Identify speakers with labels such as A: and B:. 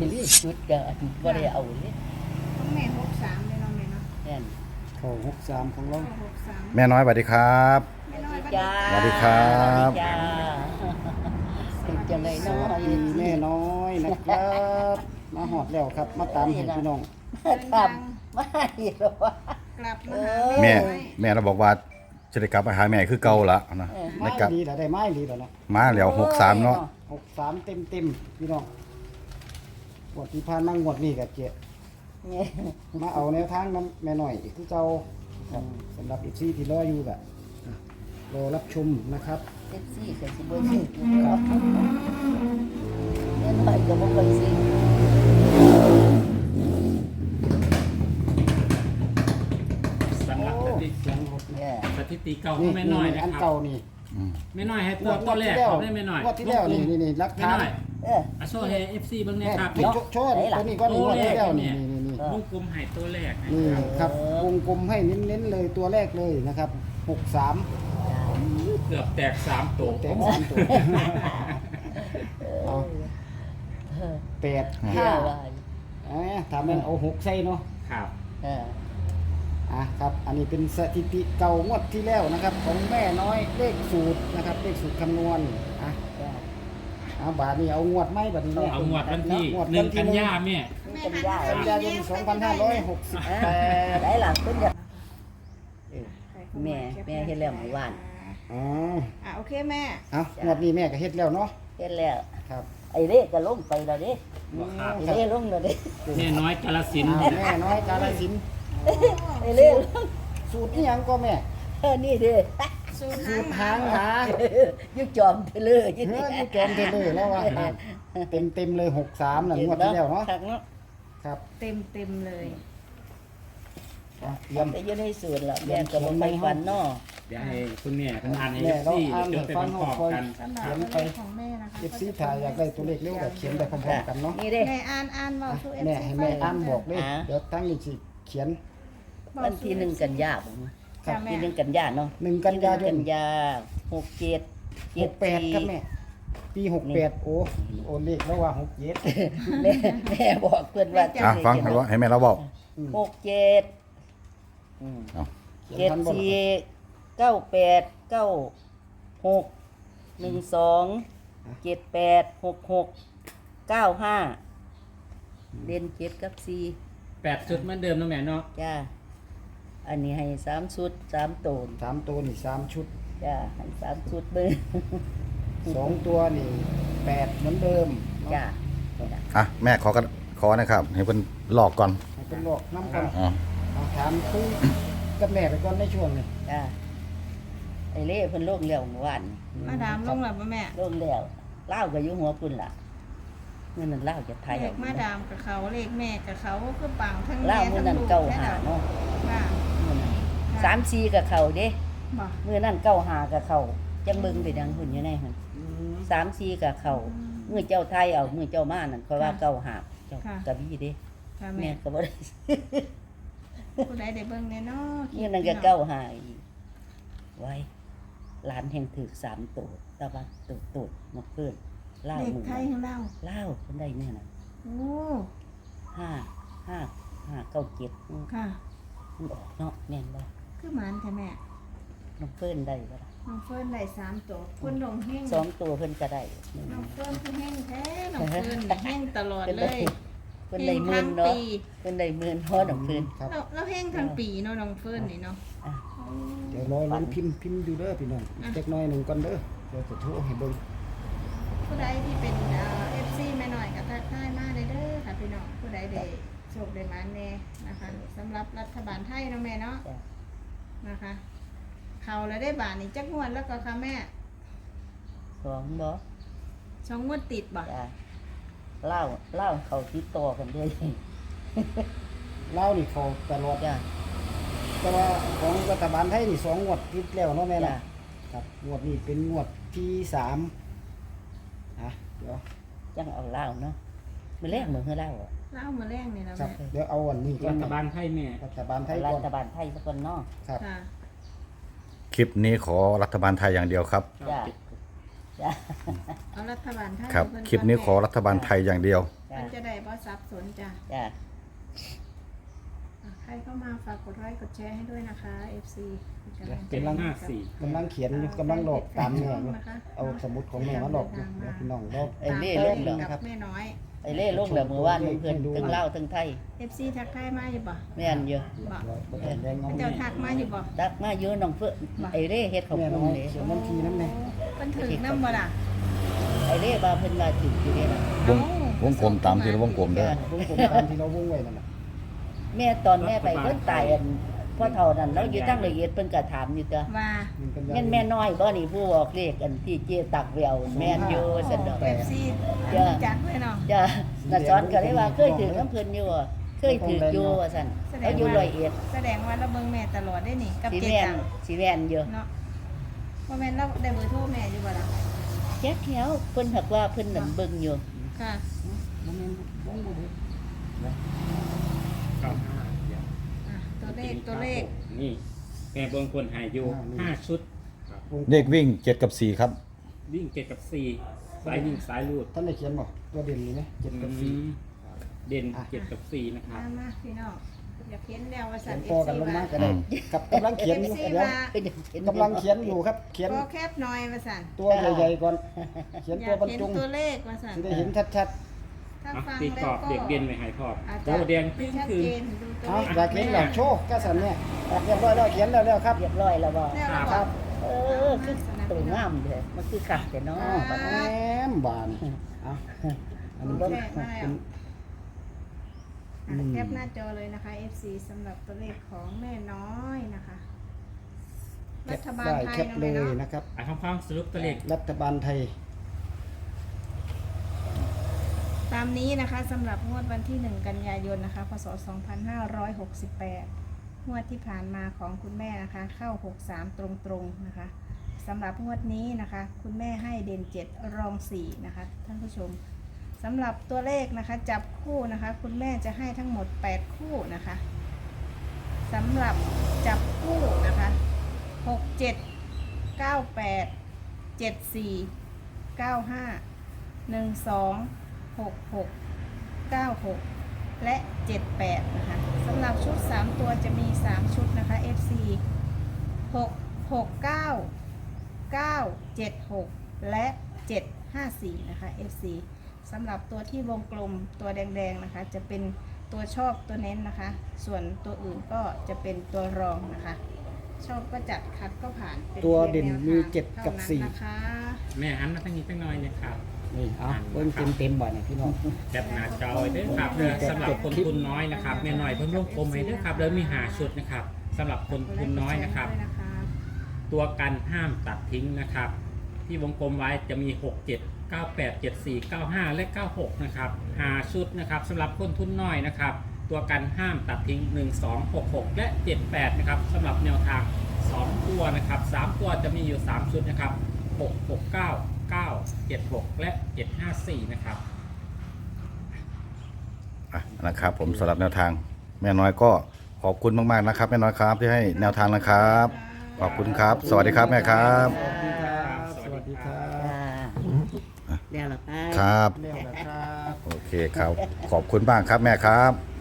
A: รีบชุดก็บ่ได้เอาเลย
B: ของแม่63เลยเนาะแม่เนาะ
A: แน่น
C: เข้า63ของเรา
B: 63
D: แม่น้อยสวัสดีครับ
B: แม่น้อย
A: จ้า
D: สวัสดีครับ
A: จ้าเป็นจังได๋
C: ส
A: เนาะ
C: วัสดีแม่น้อยนะครับ มาหอดแล้วครับ มาตามเห็นพี่น้อง
A: ทำไม่หรอกว่าก
B: ลับมาหา
D: แม่
B: น้อย
D: แม่เราบอกว่าจะได้กลับมาหาแม่คือเก่าละนะ
C: ไม้
D: ได้กลับ
C: ดีแต่ได้ไม้ดีแล้วเนาะ
D: มาแล้ว63เนาะ
C: 63เต็มพี่น้องงวดที่ผ่านมางวดนี้ก็เจ๊
A: เนี่ย
C: มาเอาแนวทางน้ำแม่น้อยคือเจ้าครับสำหรับอีกซี่ที่รออยู่ก็รอรับชมนะครับ
A: เซ็กซี่ก็สิบ่ซื้ออยู่เนาะเนี่ยน้อยก็บ่ค่อยซื้อ
E: สำหรับ
C: โอ้
E: สถิติ
C: เสียงรถ
A: เนี่ย
E: สถิติเก่าของแม่น้อยนะ
C: อัน
E: ครั
C: เก่า
E: บ
C: นี่
E: แม่น้อยให้ตัวแรกเขาได้แม่น้อย
C: งวดที่แล้วนี่รัก
E: แม่
C: ฐาน
E: น้อย
A: เออ
E: อาโชว์ให้ FC เบิ่งแน่
C: แม่
E: ครับ
C: นี่โชว์ตัวนี้ก็นี่งวดที่แล้วนี่
E: วงกลมให้ตัวแรกนะ
C: นี่
E: ครับ
C: ครับวงกลมให้เน้นๆเลยตัวแรกเลยนะครับ63
E: เกือบแตก3ตัว
C: แตก3ตัวเอา8
A: เชื่อ
C: 5
A: ว่า
C: ถ้าแม่นเอา6ใส่เนาะ
E: ครับ
A: เออ
C: ครับ อันนี้เป็นสถิติเก่างวดที่แล้วนะครับ ของแม่น้อยเลขสูตรนะครับ เลขสูตรคำนวณบาทนี้เอางวดไหมบาทนี้เนี่ย
E: เอางวดวันที่
C: งวดวันที่
E: 1กันยาแม่
A: นี่เป็นยา
C: กันยายน2568
A: ได้หลังเป็นอย่างแม่เฮ็ดแล้วเมื่อวาน
C: อ๋อ
B: โอเคแม่
C: เอางวดนี้แม่ก็เฮ็ดแล้วเนาะ
A: เฮ็ดแล้ว
C: ครับ
A: ไอ้เล่ก็ลงไปแล้วเด้
E: ครับ
A: ไอ้เล่ลงแล้วเด้
E: แม่น้อยกาฬสินธุ์
C: แม่น้อยกาฬสินธุ์
A: ไอ้เล่ลง
C: สูตรนี่ยังก็แม่
A: นี่เด้
B: สูตร
C: สูตรหางหา
A: ยุจอมเทเลอร์
C: เฮ้ยนี่แกมเทเลยแล้วว่าเต็มเลย63นั่นงวดที่แล้วเนาะ
A: คักเนาะ
C: ครับ
B: เต็มเลย
C: เตรียม
A: แต่อยู่ในสวนแล้วแม่ก็บ่ไปฝันเนาะ
E: เดี๋ยวให้คุณแม่เพิ่นอ่านให้
C: แม่เรา
E: FC
C: อ่าน
E: จดไป
C: ฟัง
E: พร้อม
C: คอย
E: ๆกัน
B: สำหรับ
C: เขียน
B: ตัว
C: ไป
B: เลขของแม่นะคะ
C: FC ถ่ายอยากได้ตัวเลขเร็วก็เขียนไปพร้อมๆกันเนาะ
A: นี่เด้
B: แม่อ่านเว้าสู่
C: แม่ให้แม่อ่านบอกเลย
A: อ่า
C: เดี๋ยวตั้งนี่สิเขียน
A: วันที่1กันยายนบ่
C: ครับ
A: ที่1กันยายนเนาะ
C: 1 กันยายน
A: กันยา67
C: 68ครับแม่ปี68โอ้เลขแล้วว่า67
A: แม่บอกเพิ่นว่า
D: ฟังให้แม่เราบอก
A: 67
D: เอา
C: เขียนทันบ่ล่ะ
A: 74 98 96 12 78 66 95เด่น7กับ4
E: 8ชุดเหมือนเดิมเนาะแม่เนาะ
A: จ้าอันนี้ให้3ชุด3โตน
C: 3ตัวนี่3ชุด
A: จ้าให้3ชุดเบิ่ง
C: 2ตัวนี่8เหมือนเดิมเนาะ
A: จ้า
D: แม่ขอนะครับ ให้เพิ่นหลอกก่อน
C: ให้เป็นหลอกน้ำก่อน
D: อ๋อ
C: เอาถามคุยกับแม่ไปก่อนในช่วงนี้
A: จ้าไอ้เล่เพิ่นลงแล้วเมื่อวาน
B: มาดามลงแล้วบ่แม่
A: ลงแล้วเล่าวก็อยู่หัวพุ่นล่ะเมื่อนั้นเล่าวจะไทย
B: เลขมาดามกับเขาเลขแม่กับเขาคือปังทั้ง
A: เล่าว
B: แม่
A: มื้อ
B: ทั้ง
A: นั้น
B: ลูก
A: เก้า
B: แค่
A: หา
B: นั้น
A: เนาะ
B: ค่ะ
A: มื้อนั้น3 4กับเขาเด้
B: บ่
A: มื้อนั้นเก้าหากับเขาจังเบิ่งไปดังหุ่นอยู่ในหั่น3 4กับเขามื้อเจ้าไทยเอามื้อเจ้ามานั่นเพราะว่าเก้าหาเจ้ากะบี่เด้
B: ค่ะ
A: แม่
B: แม่
A: ก็บ่ได้
B: ผู้ใดได้เบิ่งแน่เนาะ
A: นี่นั่นก็เก้าหาอีกไว้หลานแห่งถือ3ตัวตะวันตุดมาเพิ่นเล่า
B: เลข
A: มื้อ
B: ไทยของเรา
A: เล่าเพิ่นได้เนี่ยน่ะ
B: โอ้
A: 5
B: ค่ะ
A: มันออกเนาะแม่นบ่
B: คือหมานแท้แม่
A: น้องเพิ่นได้บ่ล่ะ
B: น้องเฟิร์นได้3ตัวคุณดงเฮง
A: 2ตัวเพิ่นก็ได้
B: น้องเฟิร์นคือเฮงแท้น้องเฟิร์นได้เฮงตลอด
A: เพิ่น
B: เล
A: ได้
B: ย
A: เพิ่นได้หมื่นเนาะเพิ่นได้หมื่นพอน้องเพิ่น
C: ครับ
B: เราเฮงทั้งปีเนาะน้องเฟิร์นนี่เนาะ
A: อ่ะ
C: เดี๋ยวรอลุ้นพิมพ์ดูเด้อพี่น้องอีกเล็กน้อยหนึงก่อนเด้อเดี๋ยวจะโทรให้เบิ่ง
B: ผู้ใดที่เป็นFC แม่น้อยก็ทักทายมาได้เด้อค่ะพี่น้องผู้ใดได้โชคได้หมานแน่นะคะสำหรับรัฐบาลไทยเนาะแม่เนาะ
A: จ้ะ
B: นะคะ เขาแล้วได้บาทนี่จักงวดแล้วก็ค่ะแม่
A: 2บ่
B: 2งวดติดบ่
A: จ้ะเล่าเขาติดต่อกันเด้อ
C: เล่าวนี่เขาตลอด
A: จ้ะ
C: แต่ว่าของรัฐบาลไทยนี่2งวดติดแล้วเนาะแม่
A: จ้ะ
C: เนาะครับงวดนี้เป็นงวดที่3เดี๋ยว
A: จังเอาเล่าเนาะมื้อแรกมื้อเฮาเล่าอะ
B: เล่ามาแรงนี่นะ
C: ครับ
B: แม่
C: เดี๋ยวเอาอันนี้ก่อ
E: รั
C: น
E: ฐบาลไทยแม่
C: รัฐบาลไทย
A: รั
C: ก่อน
A: ฐบาลไทยสักคนเนาะ
C: ครับ
B: ค่ะ
D: คลิปนี้ขอรัฐบาลไทยอย่างเดียวครับ
A: จ้ะจ้ะ
B: เอารัฐบาลไทย
D: ครับ
B: เพิ่
D: คลิปนี้ขอรัฐบาลไทยอย่างเดียว
A: จ้ะ
B: รจะได้บ่สับสนจ้ะ
A: จ้ะ
B: ใครเข้ามาฝากกดไลค์กดแชร์ให้ด้วยนะคะ FC
E: เป็น54
C: กำลังเขียนอยู่กำลังหลอกตามแม่อยู่เอาสมุดของแม่มาหลอกอยู่เดี๋ยวพี่น้องลอก
A: ไอ้เล่ลงแล้ว
B: กับแม่น้อย
A: ไอ้เล่ลงแล้วมื้อวานเพิ่นทั้งลาวทั้งไทย
B: FC ทักทายมาอยู่บ่
A: แม่นอยู่
C: แดงน้อง
B: เจ้าทักมาอยู่บ่
A: ตักมาเยอะน้องเฟื่อไอ้เล่เฮ็ดข้าว
C: แม่
A: ปุ้
C: น้
A: ง
C: อย
A: นี่
C: เขียนวันทีน้ำแน่
B: เพิ่นถึงนำบ่ล่ะ
A: ไอ้เล่ว่าเพิ่นว่าถึงอยู่นี่ล่ะ
D: วงกลมตามที่เราวงกลมเด้อ
C: วงกลมตามที่เราวงไว้นั่นแหละ
A: แม่ตอนแม่ไปเพิ่นตายอันพ่อเฒ่านั่นเราอยู่ตั้งละเอียดเพิ่นก็ถามอยู่ตัว
B: ว่า
A: แม่นแม่น้อยบ่นี่ผู้บอกเลขอันที่เจตักแววแม่นอยู่ซั่นดอก
B: FC จักเลยเนาะ
A: จ้ะน่ะสอนก็เลยว่าเคยถือน้ำเพิ่นอยู่อะเคยถืออยู่ว่าซั่นเอาอยู่ร้อยเอ็ด
B: แสดงว่าเราเบิ่งแม่ตลอดได้นี่กับ
A: สิ
B: เจ๊
A: แม่น
B: ตัง
A: สิแม่นอยู่
B: เนาะว่าแม่นเราได้เบอร์โทรแม่อยู่บ่ล่ะ
A: แจ๊กแถวเพิ่นหักว่าเพิ่นนั่นเบิ่งอยู่
B: ค่ะ ตัวเลข
E: นี่แม่เบิ่งคนหายอยู่5ชุด
D: เลขวิ่ง7กับ4ครับ
E: วิ่ง7กับ4สายวิ่งสายรูด
C: ท่านได้เขียนบอกตัวเด่นนี่ไหมเจ็ดกับสี่
E: เด่น7กับ4นะครับ
B: มาพี่น้องอยากเห็นแล้วว่าสั
C: เขี
B: น
C: ยนพอกันลงมาก็ได้กับกำลังเขียนอยู่เดี๋ยว
A: เพิ่นเห็น
C: กำลังเขียนอยู่ครับ เขียน
B: ก็แคบหน่อยว่าสัน
C: ตัวใหญ่ๆก่อน เขียน
B: อ
C: ตัวย
B: าก
C: บรร
B: เห็น
C: จง
B: ตัวเลขว่าสัน
C: จะได้เห็นชัด
B: ถ้า
E: อ่ะ
B: ฟัง
E: ตีกร
B: แล้ว
E: อบ
B: ก็
E: เด็กเด่นไปหายพอบ
B: อาจ
E: โต
B: จะ
E: แดง
B: ไม่
E: จึ้ง
B: ชัด
E: คื
B: เจ
E: น
B: นดู
C: ๆ
B: ตัว
C: เอา
B: เลข
C: อยากเห็นแบบโชว์ก็สันเนี่ยเรียบร้อยแล้วเขียนแล้วครั
A: เรียบร้อยแล้วบ่
B: แล้วเรา
E: ครับ
A: เออคือตัวงามเด้อมันคือคักแต่เนาะบัด
C: แห
A: นี้
C: มบานเอาอันนี้
B: โอ
C: ก็
B: เคมาแล้ว
C: อืม
B: แคปหน้าจอเลยนะคะ FC สำหรับตัวเลขของแม่น้อยนะคะ
C: แค
B: รั
C: ป
B: ฐบาล
C: ได้
B: ไทย
C: แคป
B: เนาะ
C: เล
B: แม่
C: ย
B: เนาะ
C: นะครับ
E: อ่ะฟังสรุปตัวเลข
C: รัฐบาลไทย
B: ตามนี้นะคะสำหรับงวดวันที่ 1 กันยายนนะคะพศ 2568 งวดที่ผ่านมาของคุณแม่นะคะ เข้า 63 ตรงๆนะคะสำหรับงวดนี้นะคะ คุณแม่ให้เด่น 7 รอง 4 นะคะท่านผู้ชมสำหรับตัวเลขนะคะจับคู่นะคะ คุณแม่จะให้ทั้งหมด 8 คู่นะคะสำหรับจับคู่นะคะ 67 98 74 95 12 66 96 และ 78 นะคะสำหรับชุด 3 ตัวจะมี 3 ชุดนะคะ FC 6 6 9 9 7 6 และ 754 นะคะ FC สำหรับตัวที่วงกลมตัวแดงๆนะคะ จะเป็นตัวชอบตัวเน้นนะคะ ส่วนตัวอื่นก็จะเป็นตัวรองนะคะ ชอบก็จัดคัดก็ผ่านป็
C: ตัวเด่นมี
B: พียงแนวทาง
C: 7กับ
B: เท่านั้น
C: 4
B: นะคะ
E: แม่หันมาทางนี้ตั้งน้อยนะครับ
C: นี่เอาเบิ้งเต็มๆบ่อยเนี่ยพี่น้อง
E: แคปหน้าจอไว้เด้อครับเด้อสำหรับคนทุนน้อยนะครับแม่หน่อยเพิ่มวงกลมไว้เด้อครับแล้วมี5ชุดนะครับสำหรับคนทุนน้อยนะครับ ตัวกันห้ามตัดทิ้งนะครับ ที่วงกลมไว้จะมี 6 7 9 8 7 4 9 5 และ 96 นะครับ5ชุดนะครับสำหรับคนทุนน้อยนะครับ ตัวกันห้ามตัดทิ้ง 1 2 6 6 และ 78 นะครับสำหรับแนวทาง 2 ตัวนะครับ 3 ตัวจะมีอยู่ 3 ชุดนะครับ 6 6 9 9 7 6 และ 754 นะครับ
D: นะครับผมสำหรับแนวทางแม่น้อยก็ขอบคุณมากๆนะครับแม่น้อยครับที่ให้แนวทางนะครับ ขอบคุณครับ สวัสดีครับแม่ครับ
C: สวัสดีครับ สวัสดีครั
A: จ้า
C: บ
A: แล้วล่ะค่ะ
D: ครับ
C: เรียบร้อยครับ
D: โอเคครับ ขอบคุณมากครับแม่ครับ